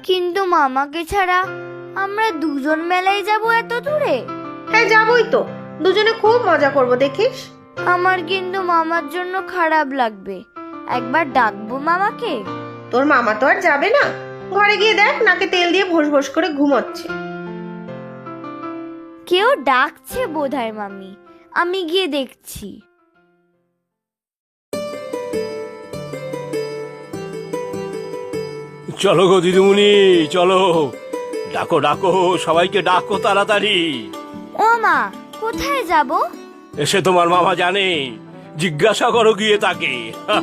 কিন্তু মামাকে ছাড়া আমরা দুজন মেলায় যাব এত দূরে? হ্যাঁ যাবই তো, দুজনে খুব মজা করব, দেখিস। আমার কিন্তু মামার জন্য খারাপ লাগবে। একবার ডাকবো মামাকে। তোর মামা তো আর যাবে না, ঘরে গিয়ে দেখ নাকে তেল দিয়ে ভোস ভোস করে ঘুমোচ্ছে। কেউ ডাকছে বোধহয় মামি, আমি গিয়ে দেখছি। চলো গো দিদিমণি, চলো, ডাকো ডাকো, সবাইকে ডাকো তাড়াতাড়ি। ও মা, কোথায় যাব? এসে তোমার মামা জানে, জিজ্ঞাসা করো গিয়ে তাকে।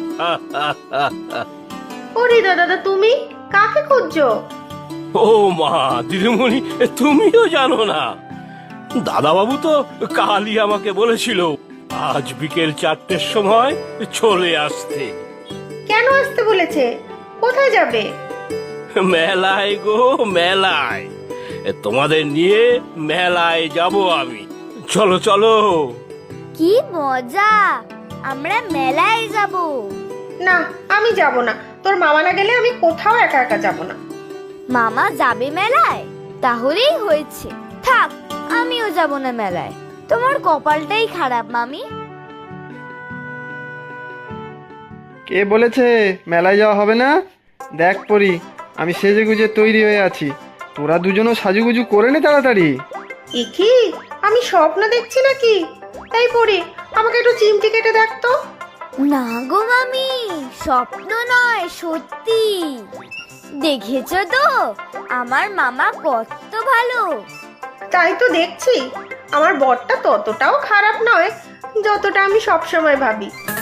ও হৃদয় দাদা, তুমি কাকে খুঁজছো? ও মা, দিদিমণি তুমিও জানো না? দাদাবাবু তো কালই আমাকে বলেছিল আজ বিকেল 4টের সময় চলে আসতে। কেন আসতে বলেছে? কোথায় যাবে? মেলায় গো, মেলায়। তোমাদের নিয়ে মেলায় যাব আমি। চলো চলো। কি মজা, আমরা মেলায় যাব। না, আমি যাব না। তোর মামা না গেলে আমি কোথাও একা একা যাব না। মামা যাবে মেলায়? তাহলেই হয়েছে, থাক, আমিও যাব না মেলায়। তোমার কপালটাই খারাপ মামি। কে বলেছে মেলায় যাওয়া হবে না? দেখ পরি, আমি সেজে গুজে তৈরি হয়ে আছি। তোরা দুজনও সাজুগুজু করে নে তাড়াতাড়ি। এ কি, আমি স্বপ্ন দেখছি নাকি? তাই পড়ি, আমাকে একটু চিমটি কেটে দেখ তো। না গো মামি, স্বপ্ন নয়, সত্যি। দেখেছো তো আমার মামা কত ভালো। তাই তো দেখছি, আমার বরটা ততটাও খারাপ নয় যতটা আমি সবসময় ভাবি।